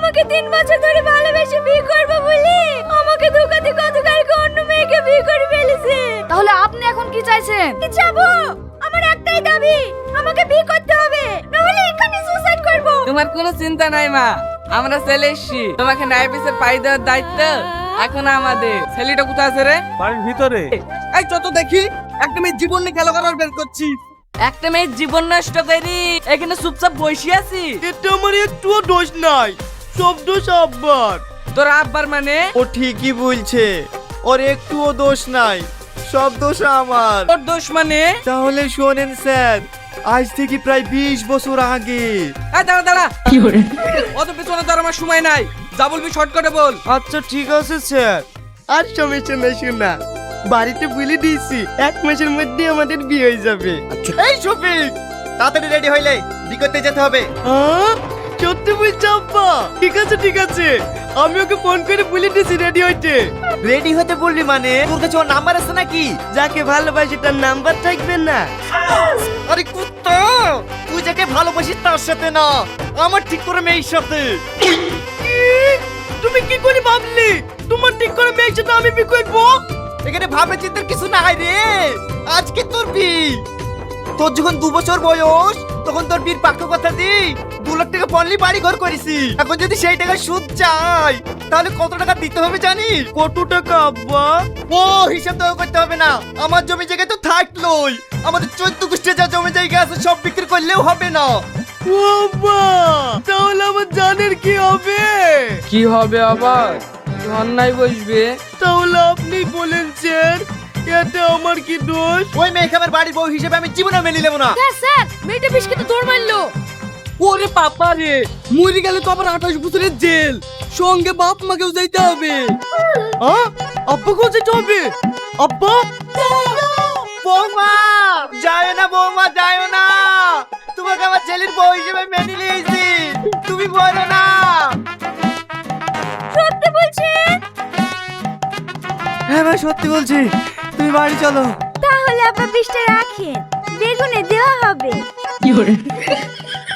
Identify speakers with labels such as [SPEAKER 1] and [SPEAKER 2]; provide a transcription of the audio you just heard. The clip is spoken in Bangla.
[SPEAKER 1] আমাকে 3 বছর ধরে ভালোবেসে বিয়ে করবে বলে আমাকে ধোকা দিয়ে গতকালকে অন্য মেয়েকে বিয়ে করে ফেলেছে।
[SPEAKER 2] তাহলে আপনি এখন কি চাইছেন?
[SPEAKER 1] কি চাবো? আমার একটাই দাবি, আমাকে বিয়ে করতে হবে, নাহলে এখানে সুসাইড করব।
[SPEAKER 3] তোমার কোনো চিন্তা নাই মা, আমরা চলে এসছি। তোমাকে ন্যায় বিচার পাই দেওয়ার দায়িত্ব এখন আমাদের। ছেলেটা কোথায় আছে রে?
[SPEAKER 4] বাড়ির ভিতরে।
[SPEAKER 3] এই যত দেখি একটা মেয়ের জীবন নিয়ে খেলা করার বের করছি। একটা মেয়ের জীবন নষ্ট করি এখানে চুপচাপ বসে আছি।
[SPEAKER 5] এটা আমার একটুও দোষ নাই, সব দোষ আব্বার।
[SPEAKER 3] তোর আব্বার মানে?
[SPEAKER 5] ও ঠিকই বলছে, ওর একটুও দোষ নাই, সব দোষ আমার।
[SPEAKER 3] তোর দোষ মানে?
[SPEAKER 5] তাহলে শোনেন স্যার, আজ থেকে প্রায় 20 বছর আগে।
[SPEAKER 3] এই দাঁড়া দাঁড়া, অত পেছনে তোর আমার সময় নাই, যা বলবি শর্টকাটে বল।
[SPEAKER 5] আচ্ছা ঠিক আছে স্যার, আর সমস্যা নাই শোনা, বাড়িতে বলে দিয়েছি 1 মাসের মধ্যে আমাদের বিয়ে হয়ে যাবে। এই শফিক, তাড়াতাড়ি রেডি হইলে বিয়ে করতে যেতে হবে। সত্যি বলছো আব্বা? ঠিক আছে ঠিক আছে, আমি ওকে ফোন করে বলে দিয়েছি রেডি হইতে। রেডি হতে বললি মানে? তোর কাছে ওর নাম্বার আছে নাকি? যাকে ভালোবাসি তার নাম্বার থাকবে না? আরে কুত্তা, তুই যাকে ভালোবাসিস তার সাথে না, আমার ঠিক করে মেয়ের সাথে। তুমি কি করে ভাবলি তোমার ঠিক করে মেয়ের সাথে আমি বিয়ে করবো? এখানে ভাবে চিন্তার কিছু নাই রে, আজকে তোর বিয়ে। তোর যখন 2 বছর বয়স তখন তোর বিয়ের পাক্কা কথা দি 2 লাখ টাকা পড়লি বাড়ি ঘর করেছি। এখন যদি সেই টাকা সুদ চাই তাহলে কত টাকা দিতে হবে জানিস? কত টাকা আব্বা? ও হিসাব তো করতে হবে না, আমার জমি জায়গা তো থাকলোই, আমাদের 14 গোষ্ঠীর যা জমি জায়গা আছে সব বিক্রি করলেও হবে না। ও আব্বা, তাহলে আমার জানের কি হবে?
[SPEAKER 3] কি হবে আবার? অন্যায় বসবে।
[SPEAKER 5] তাহলে আপনি বলেন স্যার, এতে আমার কি দোষ? ওই মেয়েকে আমার বাড়ির বউ হিসেবে আমি জীবনে মেনে নেব না।
[SPEAKER 2] স্যার স্যার, মেয়েটা বেশ কিন্তু দৌড় মারলো।
[SPEAKER 3] ওরে পাপা রে, মরে গেলে তো আবার 28 বছরের জেল, সঙ্গে বাপ মাকেও যাইতে হবে।
[SPEAKER 5] আব্বাকেও যেতে হবে? আব্বা, বৌমা যায় না, বৌমা যায় না, তোমাকে আমার ছেলের বউ হিসেবে মেনে নিয়েছি, তুমি বলো না।
[SPEAKER 1] সত্যি বলছেন?
[SPEAKER 5] হ্যাঁ ভাই সত্যি বলছি, তুমি বাড়ি চলো।
[SPEAKER 1] তাহলে আপা 20টা রাখেন, বেগুনে দেওয়া হবে।